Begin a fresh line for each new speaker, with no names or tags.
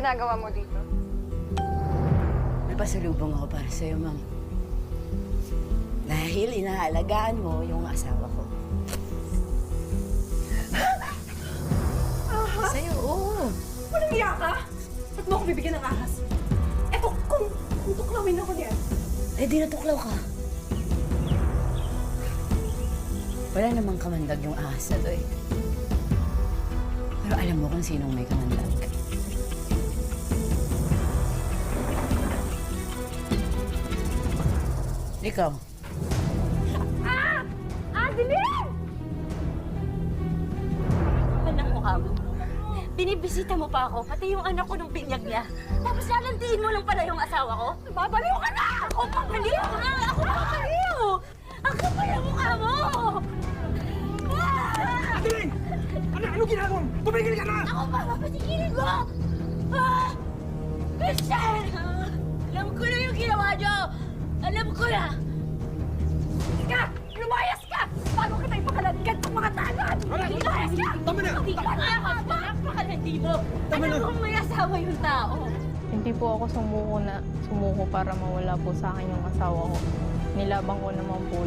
ginagawa mo dito?
May pasalubong ako para sa'yo, ma'am. Dahil inaalagaan mo yung asawa ko.
Ahas?
Sa'yo, oo.
Walang iya ka? Ba't mo ako bibigyan ng ahas? Eto, kung tuklawin ako niyan.
Eh, di natuklaw ka. Wala namang kamandag yung ahas na to eh. Pero alam mo kung sinong may kamandag. Ikaw.
Adeline! Anong mukha mo? Binibisita mo pa ako, pati yung anak ko nung binyag niya. Tapos lalantiin mo lang pala yung asawa ko? Babaliw ka na! Ako babaliw! Ako babaliw! Ang kapal ang mukha mo!
Adeline! Ano ginagawa mo? Tumigil ka na!
Ako pa, papatigilin mo! Christian! Alam ko na yung ginawa niyo! Alam ko na!
Ka! Lumayas ka! Bago kita ipakalagkan ng mga tangan! Lumayas ka!
Tama na!
Hindi ka napakalandi mo! Alam mo may asawa yung tao!
Hindi po ako sumuko para mawala po sa akin yung asawa ko. Nilabang ko naman po